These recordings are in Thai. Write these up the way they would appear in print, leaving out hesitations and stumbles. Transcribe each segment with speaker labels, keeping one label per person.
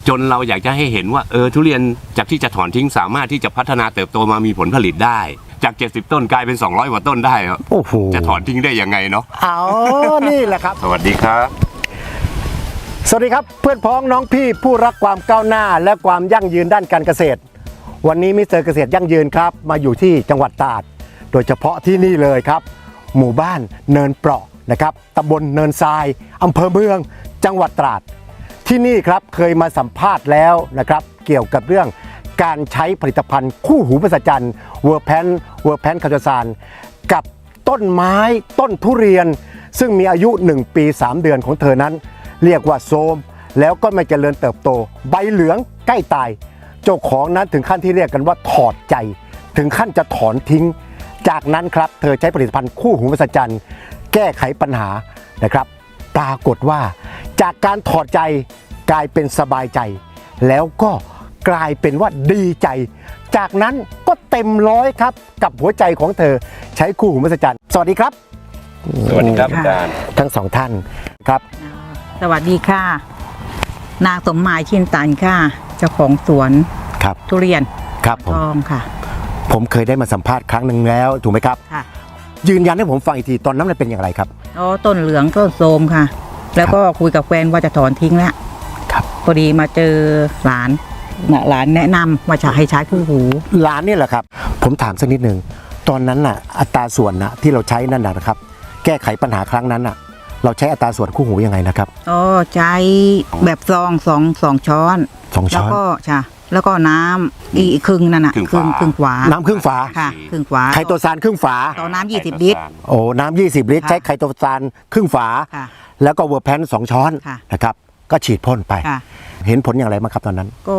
Speaker 1: จนเราอยากจะให้เห็นว่าทุเรียนจากที่จะถอนทิ้งสามารถที่จะพัฒนาเติบโตมามีผลผลิตได้จาก70ต้นกลายเป็น200กว่าต้นได้ครับ
Speaker 2: โอ้โห
Speaker 1: จะถอนทิ้งได้ยังไงเนาะ
Speaker 2: นี่แหละครับ
Speaker 1: สวัสดีครับ
Speaker 2: สวัสดีครับเพื่อนพ้องน้องพี่ผู้รักความก้าวหน้าและความยั่งยืนด้านการเกษตรวันนี้มิสเตอร์เกษตรยั่งยืนครับมาอยู่ที่จังหวัดตราดโดยเฉพาะที่นี่เลยครับหมู่บ้านเนินเปราะนะครับตำบลเนินทรายอำเภอเมืองจังหวัดตราดที่นี่ครับเคยมาสัมภาษณ์แล้วนะครับเกี่ยวกับเรื่องการใช้ผลิตภัณฑ์คู่หูมหัศจรรย์เวอร์แพนคาโตซานกับต้นไม้ต้นทุเรียนซึ่งมีอายุ1ปี3เดือนของเธอนั้นเรียกว่าโทรมแล้วก็ไม่เจริญเติบโตใบเหลืองใกล้ตายเจ้าของนั้นถึงขั้นที่เรียกกันว่าถอดใจถึงขั้นจะถอนทิ้งจากนั้นครับเธอใช้ผลิตภัณฑ์คู่หูมหัศจรรย์แก้ไขปัญหานะครับปรากฏว่าจากการถอดใจกลายเป็นสบายใจแล้วก็กลายเป็นว่าดีใจจากนั้นก็เต็มร้อยครับกับหัวใจของเธอใช้คู่หูมหัศจรรย์สวัสดีครับ
Speaker 1: สวัสดีครับอาจารย์
Speaker 2: ทั้งสองท่านครับ
Speaker 3: สวัสดีค่ะนางสมหมายชินตันค่ะเจ้าของสวน
Speaker 2: ครับ
Speaker 3: ทุเรียน
Speaker 2: ครับผม
Speaker 3: ทองค่ะ
Speaker 2: ผมเคยได้มาสัมภาษณ์ครั้งหนึ่งแล้วถูกไหมครับ
Speaker 3: ค่ะ
Speaker 2: ยืนยันให้ผมฟังอีกทีตอนนั้นมันเป็นอย่างไรครับ
Speaker 3: อ๋อต้นเหลืองต้นโทรมค่ะ แล้วก็คุยกับแฟนว่าจะถอนทิ้งแล้ว
Speaker 2: ครับ
Speaker 3: พอดีมาเจอหลานหลานแนะนำว่าจะให้ใช้คู่หู
Speaker 2: ร้านนี่แหละครับผมถามสักนิดหนึ่งตอนนั้นน่ะอัตราส่วนนะที่เราใช้นั่นนะครับแก้ไขปัญหาครั้งนั้นน่ะเราใช้อัตราส่วนคู่หูยังไงนะครับ
Speaker 3: อ๋อใช้แบบซองสองช้อน
Speaker 2: 2 ช้อน
Speaker 3: แล้วก็ค่ะแล้วก็น้ำอีกครึ่งนั่นน่ะ
Speaker 1: ครึ่ง
Speaker 3: ครึ่ง
Speaker 1: ฝา
Speaker 3: ครึ่งฝา
Speaker 2: น้ำครึ่งฝา
Speaker 3: ค่ะครึ่งฝา
Speaker 2: ไคโตซานครึ่งฝา
Speaker 3: ต่อน้ำ20 ลิตร
Speaker 2: โอ้น้ำ20 ลิตร
Speaker 3: ค่ะ
Speaker 2: ใช้ไคโตซานครึ่งฝา
Speaker 3: ค่ะ
Speaker 2: แล้วก็เวอร์แพน2 ช้อน
Speaker 3: ค่ะ
Speaker 2: นะครับก็ฉีดพ่นไป
Speaker 3: ค่ะ
Speaker 2: เห็นผลอย่างไรบ้างครับตอนนั้น
Speaker 3: ก็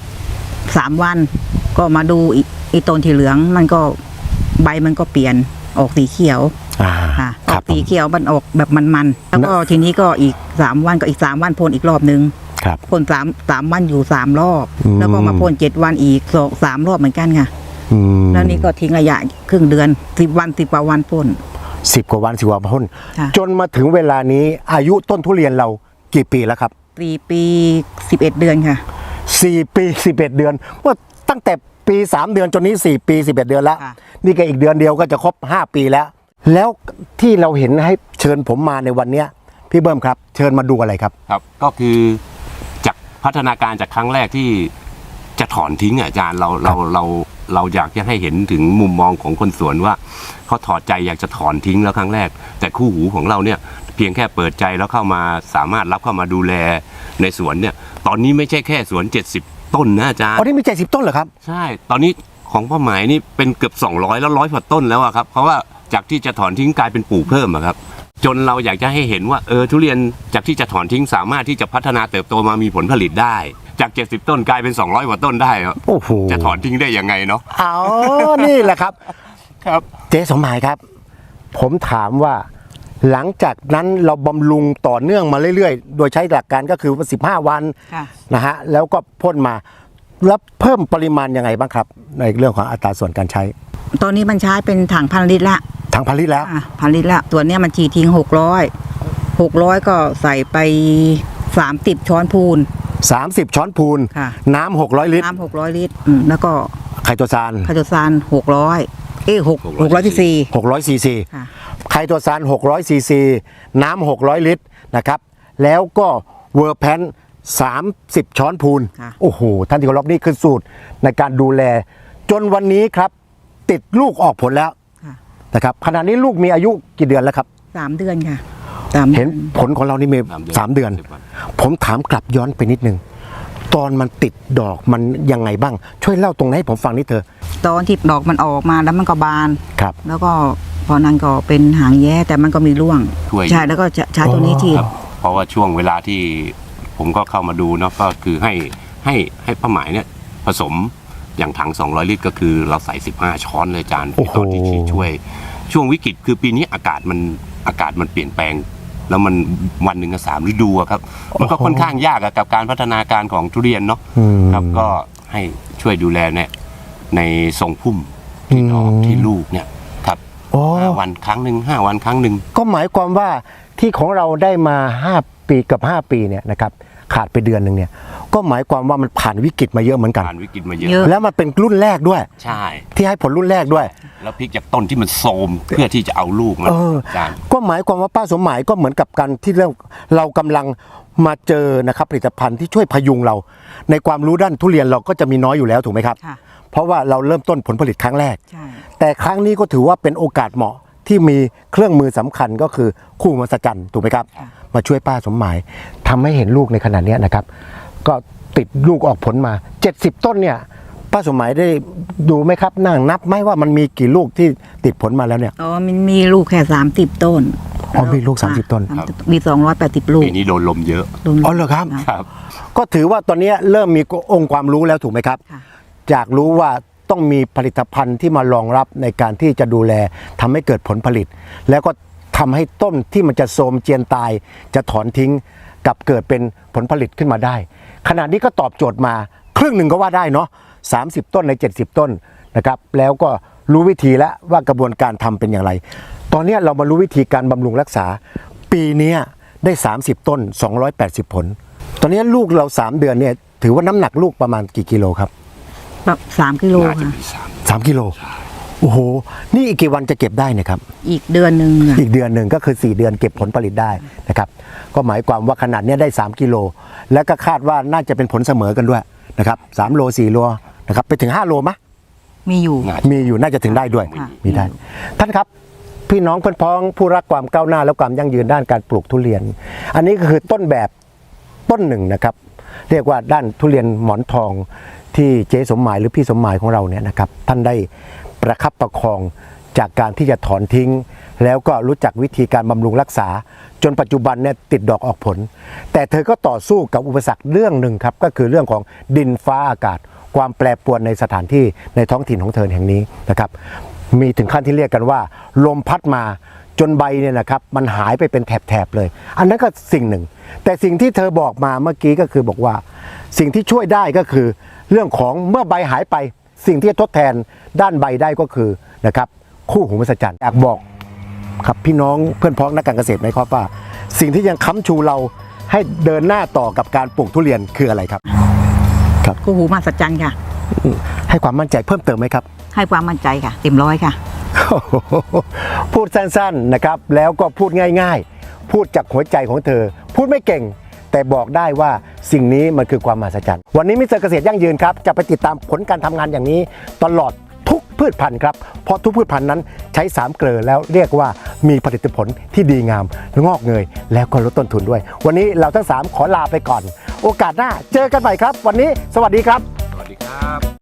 Speaker 3: 3 วันก็มาดูอีต้นที่เหลืองมันก็ใบมันก็เปลี่ยนออกสีเขียวค่ะอ
Speaker 2: ค
Speaker 3: อ
Speaker 2: รับ
Speaker 3: กสีเขียวมันออกแบบมันๆแล้วก็ทีนี้ก็อีก3 วันก็อีก3 วันพ่นอีกรอบนึง
Speaker 2: ครับ
Speaker 3: พ่น3 วันอยู่3 รอบ
Speaker 2: อืม
Speaker 3: แล้วก็มาพ่น7 วันอีก3 รอบเหมือนกันค่ะ
Speaker 2: อืม
Speaker 3: แล้วนี่ก็ทิ้งระยะครึ่งเดือน10 วัน10 กว่าวันพ่น
Speaker 2: 10 กว่าวัน10 กว่าวันพ่น
Speaker 3: ค่ะ
Speaker 2: จนมาถึงเวลานี้อายุต้นทุเรียนเรากี่ปีแล้วครับ
Speaker 3: 4 ปี 11 เดือนค่ะ
Speaker 2: 4 ปี 11 เดือนว่าตั้งแต่ปี 3 เดือนจนนี้4 ปี 11 เดือนแล้ว
Speaker 3: ค่ะ
Speaker 2: นี่ก็อีกเดือนเดียวก็จะครบ5 ปีแล้ว แล้วที่เราเห็นให้เชิญผมมาในวันเนี้ยพี่เบิ้มครับเชิญมาดูอะไรครับ
Speaker 1: ครับก็คือจากพัฒนาการจากครั้งแรกที่จะถอนทิ้งอาจารย์เราอยากจะให้เห็นถึงมุมมองของคนสวนว่าเขาถอดใจอยากจะถอนทิ้งแล้วครั้งแรก แต่คู่หูของเราเนี่ยเพียงแค่เปิดใจแล้วเข้ามาสามารถรับเข้ามาดูแลในสวนเนี่ยตอนนี้ไม่ใช่แค่สวน70ต้นนะอาจารย์
Speaker 2: อ๋อนี่มี70 ต้นเหรอครับ
Speaker 1: ใช่ตอนนี้ของพ่อหมายนี่เป็นเกือบ200แล้ว100กว่าต้นแล้วอะครับเพราะว่าจากที่จะถอนทิ้งกลายเป็นปลูกเพิ่มอะครับจนเราอยากจะให้เห็นว่าทุเรียนจากที่จะถอนทิ้งสามารถที่จะพัฒนาเติบโตมามีผลผลิตได้จาก70ต้นกลายเป็น200กว่าต้นได้ครับ
Speaker 2: โอ้โห
Speaker 1: จะถอนทิ้งได้ยังไงเนาะ
Speaker 2: นี่แหละครับ
Speaker 1: ครับ
Speaker 2: เจ๊สมหมายครับ ผมถามว่าหลังจากนั้นเราบำรุงต่อเนื่องมาเรื่อยๆ โดยใช้หลักการก็คือ15 วัน
Speaker 3: ค่ะ
Speaker 2: นะฮะแล้วก็พ่นมาแล้วเพิ่มปริมาณยังไงบ้างครับ ในเรื่องของอัตราส่วนการใช้
Speaker 3: ตอนนี้มันใช้เป็นถัง1,000 ลิตรละ
Speaker 2: ทางผลิตแล้ว
Speaker 3: 1,000 ลิตรละตัวเนี้ยมันฉีดทิ้ง600ก็ใส่ไป30 ช้อนพูน
Speaker 2: 30 ช้อนพูน
Speaker 3: ค่ะ
Speaker 2: น้ำ600 ลิตร
Speaker 3: น้ำ600 ลิตรแล้วก็
Speaker 2: ไคโตซาน
Speaker 3: ไคโตซาน600600 ซีซี
Speaker 2: 600 ซีซี
Speaker 3: ค่ะ
Speaker 2: ไคโตซาน600 ซีซี น้ำ600 ลิตรนะครับแล้วก็เวอร์แพน30 ช้อนพูน
Speaker 3: ค่ะ
Speaker 2: โอ้โห ท่านที่เคารพนี่คือสูตรในการดูแล จนวันนี้ครับ ติดลูกออกผลแล้ว
Speaker 3: ค่ะ
Speaker 2: นะครับขณะนี้ลูกมีอายุกี่เดือนแล้วครับ
Speaker 3: 3 เดือนค่ะ3
Speaker 2: เห็นผลของเรานี่มี3 เดือน ผมถามกลับย้อนไปนิดนึง ตอนมันติดดอกมันยังไงบ้าง ช่วยเล่าตรงนั้นให้ผมฟังนิดเถอะ
Speaker 3: ตอนที่ดอกมันออกมาแล้วมันก็บาน
Speaker 2: ครับ
Speaker 3: แล้วก็พอนั้นก็เป็นหางแย้แต่มันก็มีร่วง
Speaker 1: ช่วย
Speaker 3: ใช่แล้วก็จะใช้ตัวนี้ฉีด
Speaker 1: ครับเพราะว่าช่วงเวลาที่ผมก็เข้ามาดูเนาะก็คือให้ป้าหมายเนี่ยผสมอย่างถัง200 ลิตรก็คือเราใส่15 ช้อนเลยอาจารย์
Speaker 2: โอ้โห
Speaker 1: ตอนที่ฉีดช่วงวิกฤตคือปีนี้อากาศมันเปลี่ยนแปลง แล้วมันวันหนึ่งก็3 ฤดูอะครับมันก็ค่อนข้างยากอะกับการพัฒนาการของทุเรียนเนาะ
Speaker 2: อืม
Speaker 1: ครับก็ให้ช่วยดูแลในทรงพุ่มที่ดอกที่ลูกเนี่ยครับ
Speaker 2: โอ้
Speaker 1: 5 วันครั้งหนึ่ง5 วันครั้งหนึ่ง
Speaker 2: ก็หมายความว่าที่ของเราได้มา5 ปีกับ5 ปีเนี่ยนะครับขาดไปเดือนหนึ่งเนี่ยก็หมายความว่ามันผ่านวิกฤตมาเยอะเหมือนกัน
Speaker 1: ผ่านวิกฤตมาเยอะ
Speaker 3: เยอะ
Speaker 2: แล้วมันเป็นรุ่นแรกด้วย
Speaker 1: ใช่
Speaker 2: ที่ให้ผลรุ่นแรกด้วย
Speaker 1: แล้วพลิกจากต้นที่มันโทรมเพื่อที่จะเอาลูกมา
Speaker 2: เออ
Speaker 1: อาจารย์
Speaker 2: ก็หมายความว่าป้าสมหมายก็เหมือนกับการที่เรากำลังมาเจอนะครับผลิตภัณฑ์ที่ช่วยพยุงเรา ในความรู้ด้านทุเรียนเราก็จะมีน้อยอยู่แล้วถูกไหมครับ
Speaker 3: ค่ะ
Speaker 2: เพราะว่าเราเริ่มต้นผลผลิตครั้งแรก
Speaker 3: ใช่
Speaker 2: แต่ครั้งนี้ก็ถือว่าเป็นโอกาสเหมาะที่มีเครื่องมือสำคัญก็คือคู่มหัศจรรย์ถูกไหมครับ มาช่วยป้าสมหมายทำให้เห็นลูกในขนาดนี้นะครับ ก็ติดลูกออกผลมา 70 ต้นเนี่ยป้าสมหมายได้ดูไหมครับนั่งนับไหมว่ามันมีกี่ลูกที่ติดผลมาแล้วเนี่ย
Speaker 3: อ๋อมันมีลูกแค่30 ต้น
Speaker 2: อ๋อมีลูก30ต้น
Speaker 3: มี280ลูก
Speaker 1: ปีนี้โดนลมเยอะ
Speaker 2: อ๋อเหรอครับ
Speaker 1: ครับ
Speaker 2: ก็ถือว่าตอนนี้เริ่มมีองค์ความรู้แล้วถูกไหมครับ
Speaker 3: ค่ะ
Speaker 2: อยากรู้ว่าต้องมีผลิตภัณฑ์ที่มารองรับในการที่จะดูแลทำให้เกิดผลผลิต แล้วก็ทำให้ต้นที่มันจะโทรมเจียนตาย จะถอนทิ้งกับเกิดเป็นผลผลิตขึ้นมาได้ ขณะนี้ก็ตอบโจทย์มาครึ่งหนึ่งก็ว่าได้เนาะ30 ต้นใน 70 ต้นนะครับแล้วก็รู้วิธีแล้วว่ากระบวนการทำเป็นอย่างไร ตอนนี้เรามารู้วิธีการบำรุงรักษา ปีนี้ได้ 30 ต้น 280 ผล ตอนนี้ลูกเรา 3 เดือนเนี่ยถือว่าน้ำหนักลูกประมาณกี่กิโลครับ
Speaker 3: แบบ3 กิโล
Speaker 1: น่าจะ
Speaker 3: ค่ะ
Speaker 1: มีสาม
Speaker 2: 3 กิโลโอ้โหนี่อีกกี่วันจะเก็บได้เนี่ยครับ
Speaker 3: อีกเดือนหนึ่งอะ
Speaker 2: อีกเดือนหนึ่งก็คือ4 เดือนเก็บผลผลิตได้นะครับก็หมายความว่าขนาดเนี้ยได้ 3 กิโลแล้วก็คาดว่าน่าจะเป็นผลเสมอกันด้วยนะครับ3โล4โลนะครับไปถึง5โลมะ
Speaker 3: มีอยู่
Speaker 1: น่า
Speaker 2: มีอยู่น่าจะถึงได้ด้วย
Speaker 3: ค่ะ
Speaker 2: มีได้ ท่านครับพี่น้องเพื่อนพ้องผู้รักความก้าวหน้าและความยั่งยืนด้านการปลูกทุเรียน อันนี้ก็คือต้นแบบต้นหนึ่งนะครับ เรียกว่าด้านทุเรียนหมอนทองที่เจ๊สมหมายหรือพี่สมหมายของเราเนี่ยนะครับท่านได้ประคับประคองจากการที่จะถอนทิ้ง แล้วก็รู้จักวิธีการบำรุงรักษา จนปัจจุบันเนี่ยติดดอกออกผล แต่เธอก็ต่อสู้กับอุปสรรคเรื่องหนึ่งครับก็คือเรื่องของดินฟ้าอากาศ ความแปรปรวนในสถานที่ในท้องถิ่นของเธอแห่งนี้นะครับ มีถึงขั้นที่เรียกกันว่า ลมพัดมาจนใบเนี่ยนะครับมันหายไปเป็นแถบๆเลย อันนั้นก็สิ่งหนึ่ง แต่สิ่งที่เธอบอกมาเมื่อกี้ก็คือบอกว่า สิ่งที่ช่วยได้ก็คือเรื่องของเมื่อใบหายไป สิ่งที่จะทดแทนด้านใบได้ก็คือนะครับคู่หูมหัศจรรย์อยากบอกครับพี่น้องเพื่อนพ้องนักการเกษตรไหมครับว่า สิ่งที่ยังค้ำชูเราให้เดินหน้าต่อกับการปลูกทุเรียนคืออะไรครับ
Speaker 3: คู่หูมหัศจรรย์ค่ะ
Speaker 2: ให้ความมั่นใจเพิ่มเติมไหมครับ
Speaker 3: ให้ความมั่นใจค่ะ เต็มร้อยค่ะ
Speaker 2: พูดสั้นๆนะครับแล้วก็พูดง่ายๆ พูดจากหัวใจของเธอ พูดไม่เก่ง แต่บอกได้ว่าสิ่งนี้มันคือความมหัศจรรย์วันนี้มิสเตอร์เกษตรยั่งยืนครับจะไปติดตามผลการทำงานอย่างนี้ตลอดทุกพืชพันธุ์ครับเพราะทุกพืชพันธุ์นั้นใช้3 เกลือแล้วเรียกว่ามีผลิตผลที่ดีงามงอกเงยแล้วก็ลดต้นทุนด้วย วันนี้เราทั้ง3ขอลาไปก่อน โอกาสหน้าเจอกันใหม่ครับ วันนี้สวัสดีครับ
Speaker 1: สวัสดีครับ